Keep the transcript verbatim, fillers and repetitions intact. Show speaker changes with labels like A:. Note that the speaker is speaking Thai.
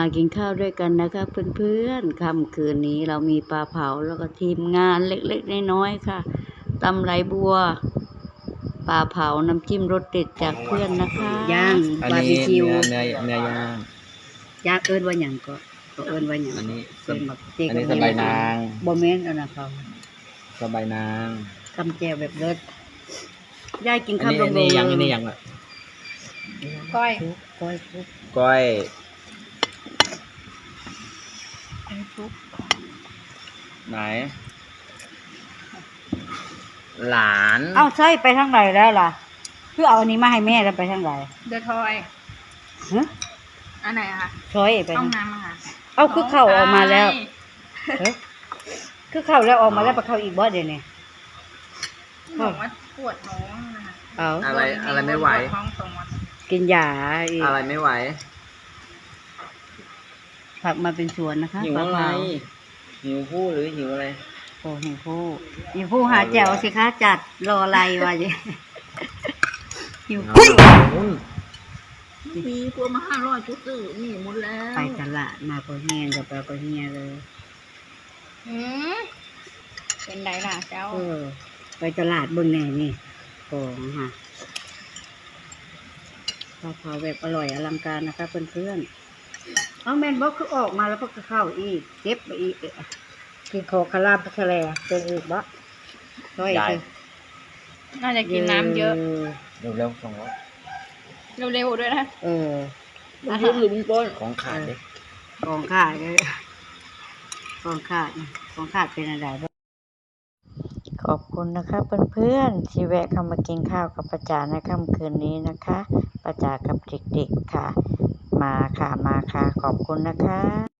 A: กินข้าวด้วยกันนะคะเพื่อนๆค่ำคืนนี้เรามีปลาเผาแล้วก็ทีมงานเล็กๆน้อยๆค่ะตำไหลบัวปลาเผาน้ำจิ้มรสเด็ดจากเพื่อนนะคะย่าง
B: อัน
A: บาร์
B: นี้
A: บีคิว
B: เนื้อเนื้อเนื้อย่าง
A: ย่างเอิ้นว่าหยังก็ก็เอิ้นว่าหยัง
B: อันนี้
A: เอิ้นแบบเจ๊
B: อันนี้
A: กับ
B: สบายนาง
A: บ่แม่นอันนั้นเขา
B: สบายนาง
A: ตำแจ่วแบบเลิศยายกิน
B: อัน
A: ข้าว
B: นี้
A: ล
B: อั
A: ง
B: น
A: ๆ
B: นี้ยังอันนี้ยังอ่ะ
C: ก้อย
A: ก้อยทุก
B: ก้อย
C: อันนี้ทุก
B: ไหน หลาน
A: เอ้าใช่ไปทางไหนแล้วล่ะคือเอาอันนี้มาให้แม่แล้วไปทางไหน
C: เดอะทอย
A: ฮะ
C: อันไหนอะคะ
A: ช้อยไป
C: ห้อ
A: ทาง ง
C: น้ำอะค่ะ
A: เอ้าคือเข้าออกมาแล้ว
C: ใช่
A: เฮ้ยคือเข้าแล้วออกมาแล้วไปเข้าอีกบ่เดี๋ยวนี้
C: ที่บอกว่าปวดท้องนะคะ
A: เอา
B: อะไรอะไรไม่ไหว
C: ปดท้องสองวัน
A: กินยาอีก
B: อะไรไม่ไหว
A: ผักมาเป็นสวนนะคะ
B: หิว
A: ปลา
B: อะไร
A: เผา
B: หิวผู้หรือหิวอะไร
A: โอ้หิวผู้หิวผู้หาแจ่วสิคะจัดรออะไรวะเนี่ยหิวผู้
C: มีพวกมาห้าร้อยจุดสื่อนี่หมดแล้ว
A: ไปตลาดมาก็เฮียนกับปลาก็เฮียเลย
C: อืมเป็นไรล่ะเจ้า
A: เออไปตลาดเบิ่งแน่นี่ของค่ะปลาเผาแบบอร่อยอลังการนะคะเพื่อนๆเอาแมนบอกคือออกมาแล้วก็เข้าอีกเก็บไปอีกเอ๊ะกินขอคาราบคาแลเป็นอีกบ่ร้อย
B: ยาย
A: คือ
C: น่าจะกินน้ำเยอะ
B: เร็วเร็วๆสองร้อย
C: เร็วๆด้วยนะ
A: เออ
C: อาหาร
B: ของขาดดิ
A: ของขาดเลยของขาดของขาดเป็นอะไรบ้างขอบคุณนะคะเพื่อนๆที่แวะเข้ามากินข้าวกับประจาในค่ำคืนนี้นะคะประจากับเด็กๆค่ะ มาค่ะมาค่ะขอบคุณนะคะ